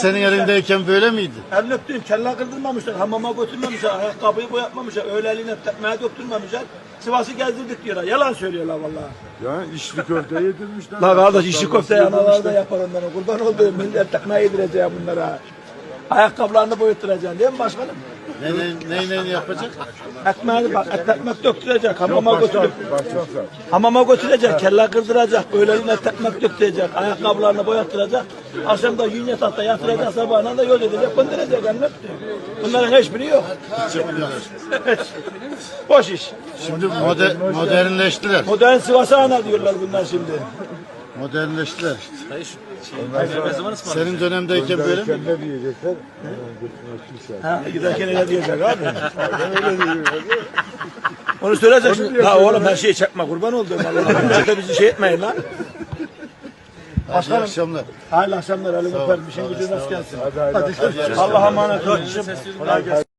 senin elindeyken böyle miydi? Elini öptüm, kelle kırdırmamışlar, hamama götürmemişler, ayakkabıyı boyatmamışlar, öyle eline tekmeye döktürmemişler. Sivas'ı gezdirdik diyorlar. Yalan söylüyorlar vallahi. Ya içli köfte yedirmişler. La kardeş işi köfte analar da yapar onların. Kurban olduğum millet tekmeye yedireceğim bunlara. Ayakkabılarını boyutturacaksın değil mi başkanım? Ne yapacak? Ekmeğini bak, ekmek döktürecek, hamama götürüp. Bakacağım sen. Hamama götürecek, kelle kırdıracak, öğlenine ekmek döktürecek, ayakkabılarını boyattıracak. Akşam da yünye tahta yatıracak, sabahına da yol edecek, gönderecek annem. Bunların hiçbiri yok. Boş iş. Şimdi modernleştiler. Modern Sivas'a ana diyorlar bunlar şimdi. Modernleştiler. Senin dönemdeyken böyle mi? Ne diyecekler? Ha, giderken öyle diyecek abi. Onu söyleyeceksin. La oğlum her şeyi çekme kurban olduğum Allah'ım. Çete bizi şey etmeyin lan. İyi akşamlar. Hayırlı akşamlar. Elini öper. Bir şey gücü nasıl gelsin. Hadi. Allah'a emanet olun.